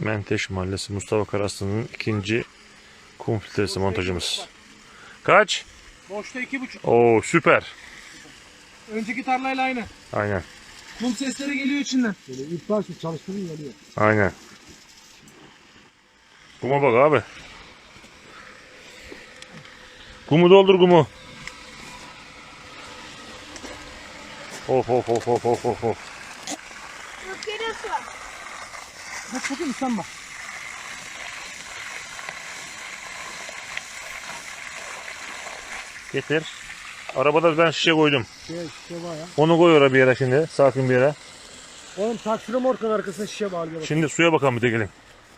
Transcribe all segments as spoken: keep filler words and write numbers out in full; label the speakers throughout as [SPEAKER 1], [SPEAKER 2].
[SPEAKER 1] Menteş Mahallesi Mustafa Karaslı'nın ikinci kum filtresi montajımız. Kaç?
[SPEAKER 2] Boşta iki buçuk.
[SPEAKER 1] Oo süper.
[SPEAKER 2] Önceki tarlayla aynı.
[SPEAKER 1] Aynen.
[SPEAKER 2] Kum sesleri geliyor içinden.
[SPEAKER 3] Böyle ilk başta çalıştığını geliyor.
[SPEAKER 1] Aynen. Kuma bak abi. Kumu doldur kumu. Of of of of of of of.
[SPEAKER 4] Çok geliyorsun.
[SPEAKER 2] Bak bakayım sen bak.
[SPEAKER 1] Getir. Arabada ben şişe koydum.
[SPEAKER 3] Şey, şişe var ya.
[SPEAKER 1] Onu koy oraya bir yere şimdi. Sakin bir yere.
[SPEAKER 3] Oğlum taksiri morkan arkasına şişe bağlıyor.
[SPEAKER 1] Şimdi suya bakalım bir de gelin.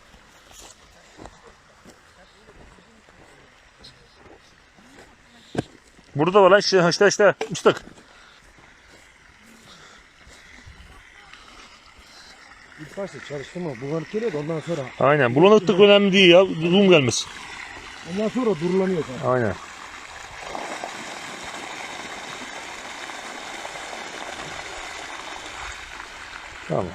[SPEAKER 1] Burada var lan işte işte işte ıslık.
[SPEAKER 3] İlk başta çalıştırma. Bulanık geliyor da ondan sonra.
[SPEAKER 1] Aynen. Bulanıklık önemli değil ya. Zoom gelmesin.
[SPEAKER 3] Ondan sonra durulanıyor zaten.
[SPEAKER 1] Aynen. Tamam.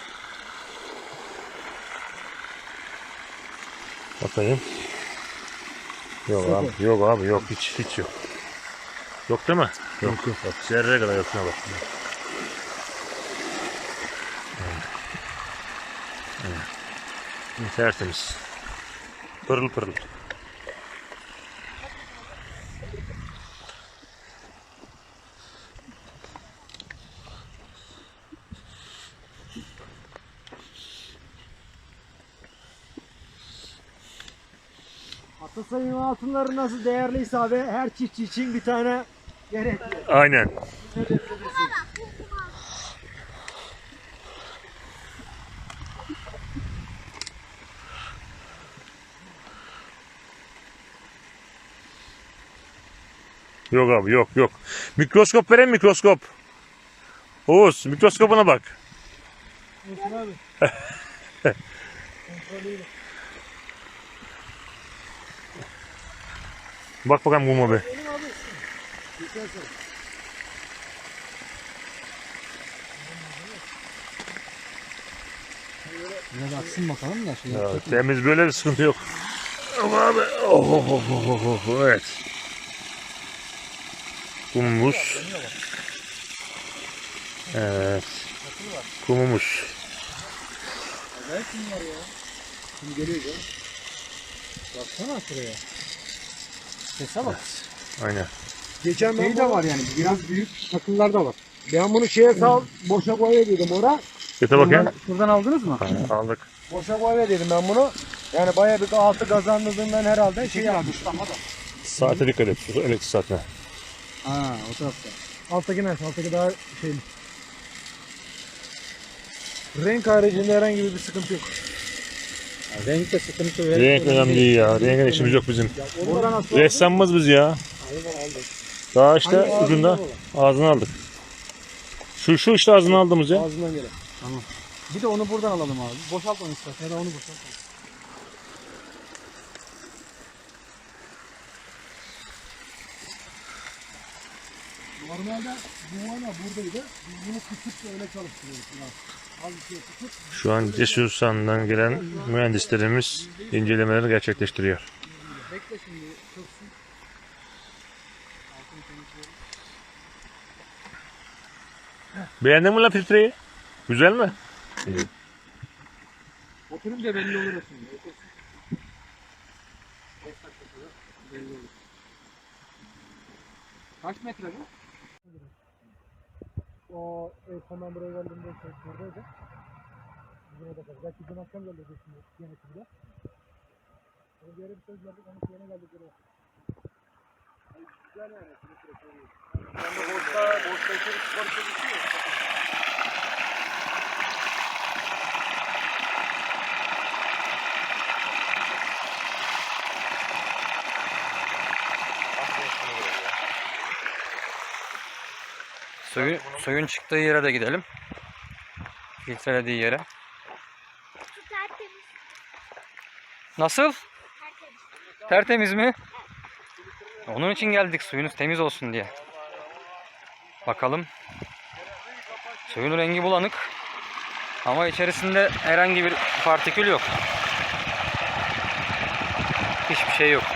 [SPEAKER 1] Bakayım. Yok
[SPEAKER 3] Sıfır.
[SPEAKER 1] abi. Yok abi. Yok. Hiç hiç yok. Yok değil mi? Yok yok. Bak zerre kadar yok. Şuna bak. Evet. Evet. Tertemiz. Pırıl pırıl.
[SPEAKER 3] Atasayın altınları nasıl değerliyse abi her çiftçi için bir tane gerekli.
[SPEAKER 1] Aynen. Yok abi yok yok. Mikroskop vereyim mikroskop. Oğuz mikroskopuna bak.
[SPEAKER 3] Olsun abi.
[SPEAKER 1] Bak bakalım kuma be.
[SPEAKER 3] Benim abi. Geçersen. Biraz aksın bakalım da. Şey
[SPEAKER 1] Ya, temiz böyle bir sıkıntı yok. Ama abi. Oh, oh, oh, oh, oh, oh, evet. Kumumuz. Evet. Kumumuz.
[SPEAKER 3] Acayip kum var ya. Kum geliyor canım. Baksana şuraya. Sese bak.
[SPEAKER 1] Aynen.
[SPEAKER 3] Geçen şey de var yani biraz büyük takımlar da var. Ben bunu şeye sal boşa koy dedim ora.
[SPEAKER 1] Göte bakayım.
[SPEAKER 3] Şuradan aldınız mı?
[SPEAKER 1] Ha, aldık.
[SPEAKER 3] Boşa koy dedim ben bunu. Yani bayağı bir altı kazandırdığından herhalde şey yapmış.
[SPEAKER 1] Saate dikkat et. Elektrik saatine.
[SPEAKER 3] Ha o tarafta. Alttaki ne? Alttaki daha şey. Renk haricinde herhangi bir sıkıntı yok. Ya, renkte sıkıntı yok.
[SPEAKER 1] Renk önemli değil ya. Rengin işimiz yok bizim.
[SPEAKER 3] Oradan nasıl?
[SPEAKER 1] Ressamımız biz ya. Daha işte
[SPEAKER 3] Hangi
[SPEAKER 1] ucunda
[SPEAKER 3] ağzından
[SPEAKER 1] ağzını aldık. Şu şu işte ağzını aldığımız ya.
[SPEAKER 3] Ağzından gelen. Tamam. Bir de onu buradan alalım abi. Boşalt onu istersen ya da onu boşalt. Normalde bu ana buradaydı. Biz bunu tutup da öyle çalıştırıyoruz. Az bir şey tutup.
[SPEAKER 1] Şu an Cesursan'dan gelen mühendislerimiz incelemeleri gerçekleştiriyor.
[SPEAKER 3] Bekle şimdi çöksün.
[SPEAKER 1] Beğendin mi la filtreyi? Güzel mi?
[SPEAKER 3] Oturun da belli olur şimdi. Belli olur. Kaç metre bu? O ev tamam buraya geldiğimde şey buradaydı. Bugüne de kadar. Belki dün akşam geldi şimdi yönetimi de. Onu bir yere bir söz verdik, onu yine geldik buraya. Güzel yani. Ben de boşta, boşta içeri spor çalışıyor.
[SPEAKER 5] Suyun, suyun çıktığı yere de gidelim. Filtrelediği yere.
[SPEAKER 4] Su tertemiz.
[SPEAKER 5] Nasıl?
[SPEAKER 4] Tertemiz.
[SPEAKER 5] Tertemiz mi? Onun için geldik, suyunuz temiz olsun diye. Bakalım. Suyun rengi bulanık. Ama içerisinde herhangi bir partikül yok. Hiçbir şey yok.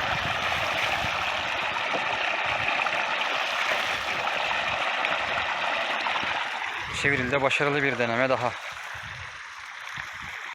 [SPEAKER 5] Çevril'de başarılı bir deneme daha.